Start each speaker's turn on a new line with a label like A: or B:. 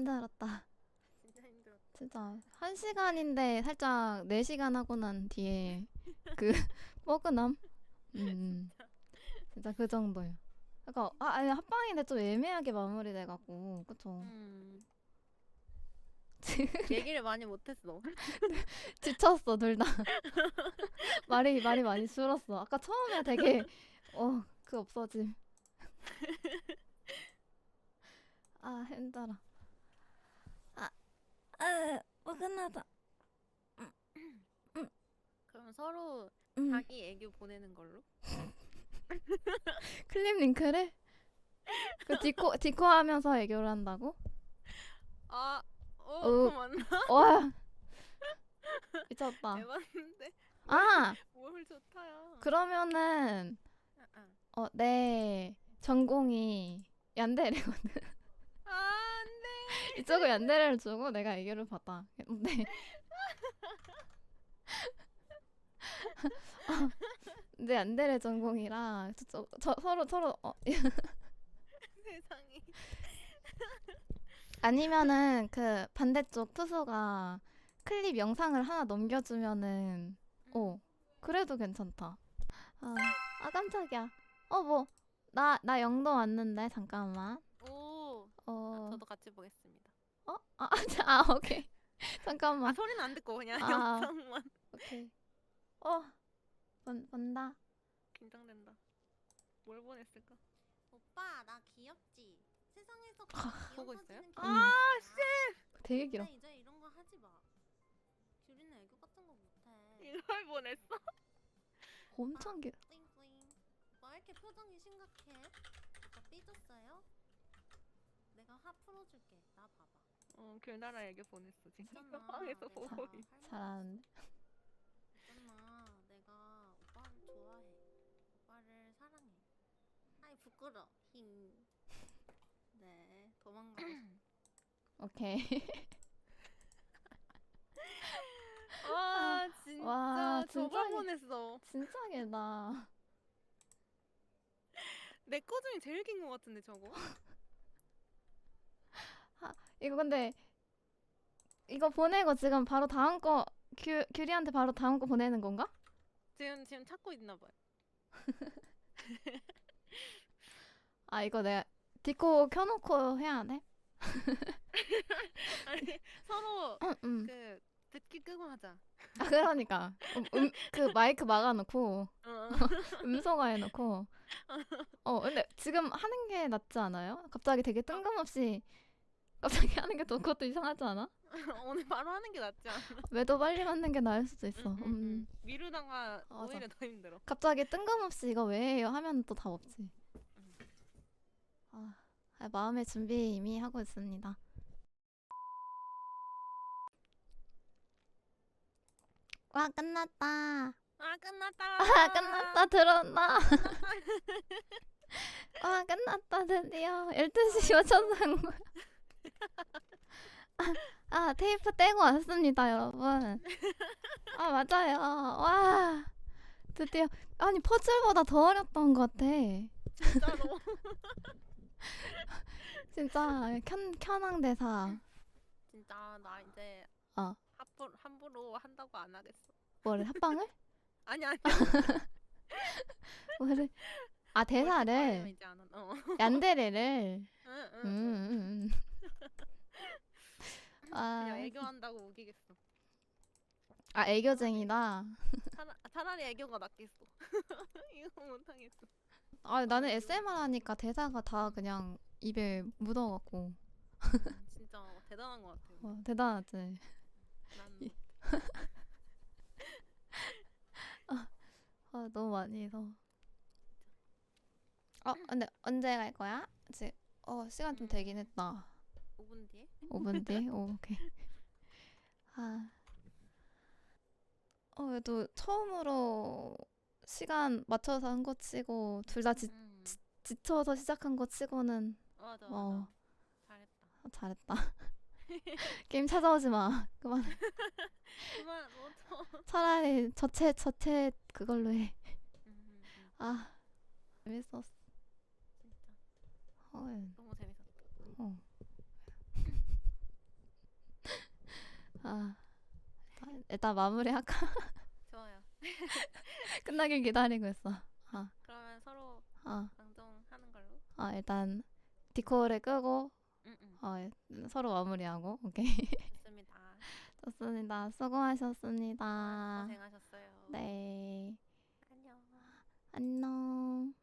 A: 힘들었다.
B: 진짜 힘들었다.
A: 진짜 1시간인데 살짝 4시간 하고 난 뒤에 그 뻐근함? 음,
B: 진짜.
A: 진짜 그 정도야. 그러니까 아니 합방인데 좀 애매하게 마무리돼갖고 그쵸?
B: 음. 얘기를 많이 못했어.
A: 지쳤어 둘 다. 말이 많이 줄었어. 아까 처음에 되게 그 없어짐. 아 힘들어. 뻐근하다.
B: 그럼 서로
A: 음,
B: 자기 애교 보내는 걸로?
A: 클립 링크를? 그 디코 하면서 애교를 한다고?
B: 아,
A: 어,
B: 그거 맞나?
A: 와 미쳤다.
B: 에반데?
A: 아
B: 뭘 좋다야.
A: 그러면은
B: 아, 아.
A: 내 전공이 얀데레거든.
B: 아, 안 돼.
A: 이쪽은 얀데레를 주고 내가 애교를 받아. 근데 근데 얀데레 전공이라 서로
B: 세상에.
A: 아니면은 그 반대쪽 투수가 클립 영상을 하나 넘겨주면은
B: 음.
A: 그래도 괜찮다. 깜짝이야. 뭐 나 영도 왔는데 잠깐만.
B: 오. 아,
A: 어,
B: 저도 같이 보겠습니다.
A: 오케이.
B: 아,
A: 잠깐만.
B: 소리는 안 듣고 그냥
A: 아,
B: 영상만.
A: 오케이. 본다.
B: 긴장된다. 뭘 보냈을까?
C: 오빠 나 귀엽지? 세상에서 가장 귀여운
B: 보고 있어요?
C: 사진은
A: 아,
C: 씨!
A: 되게 길어.
C: 근데 이제 이런 거 하지 마. 규리는 애교 같은 거 못해.
B: 이걸 보냈어?
A: 엄청 길어.
C: 뿌잉뿌잉. 왜 이렇게 표정이 심각해? 오빠 삐졌어요? 내가 화 풀어줄게. 나 봐봐.
B: 귤나라 애교 보냈어 지금.
C: 있잖아.
B: 방에서 보고
C: 내가
B: 있.
A: 잘하는데.
C: 있잖아. 내가 오빠를 좋아해. 오빠를 사랑해. 아이 부끄러. 힝. 네 도망가고 싶어.
A: 오케이.
B: 와 진짜
A: 와,
B: 저걸
A: 진짜
B: 보냈어.
A: 진짜 길다.
B: 내 거 중에 제일 긴 거 같은데 저거?
A: 이거 근데 이거 보내고 지금 바로 다음 거 규리한테 바로 다음 거 보내는 건가?
B: 지금 찾고 있나 봐요.
A: 이거 내가 디코 켜놓고 해야 돼?
B: 아니 서로
A: 응.
B: 그 듣기 끄고 하자.
A: 그러니까 그 마이크 막아놓고
B: 어.
A: 음소거 해놓고 근데 지금 하는 게 낫지 않아요? 갑자기 되게 뜬금없이 갑자기 하는 게 또 그것도 이상하지 않아?
B: 오늘 바로 하는 게 낫지 않아?
A: 매도 빨리 맞는 게 나을 수도 있어.
B: 미루다가
A: 맞아.
B: 오히려 더 힘들어.
A: 갑자기 뜬금없이 이거 왜 해요? 하면 또 답 없지. 마음의 준비 이미 하고 있습니다. 와 끝났다.
B: 아 끝났다.
A: 끝났다 들었나? 끝났다 드디어 12시 맞춰서 거야. 테이프 떼고 왔습니다 여러분. 맞아요. 와 드디어 아니 퍼즐보다 더 어렵던 것 같아.
B: 진짜로.
A: 진짜 현황대사.
B: 진짜 나 이제
A: 어
B: 함부로 한다고 안 하겠어.
A: 뭐를 합방을?
B: 아니
A: 뭐를
B: 아니면
A: 대사를
B: 이제 안 한다.
A: 얀데레를
B: 응. 그냥
A: 아
B: 애교한다고 우기겠어.
A: 애교쟁이다.
B: 차라리 애교가 낫겠어. 이거 못하겠어.
A: 나는 SMR 하니까 대사가 다 그냥 입에 묻어갖고
B: 진짜 대단한 것 같아.
A: 대단하지.
B: 난
A: 너무 많이 해서. 근데 언제 갈 거야? 지금 시간 좀 되긴 했다.
B: 5분 뒤에?
A: 5분 뒤에? 오케이. 그래도 처음으로 시간 맞춰서 한 거 치고 둘 다 지쳐서 시작한 거 치고는
B: 맞아. 잘했다.
A: 잘했다. 게임 찾아오지 마. 그만.
B: 그만 멈춰.
A: 차라리 저체 그걸로 해. 재밌었어.
B: 진짜
A: 헐.
B: 너무 재밌었다.
A: 어. 아, 일단 마무리할까?
B: 좋아요.
A: 끝나길 기다리고 있어.
B: 그러면 서로
A: 아,
B: 방송하는 걸로.
A: 일단 디코를 끄고
B: 응응.
A: 서로 마무리하고 오케이.
B: 좋습니다.
A: 좋습니다. 수고하셨습니다.
B: 고생하셨어요.
A: 네,
B: 안녕.
A: 안녕.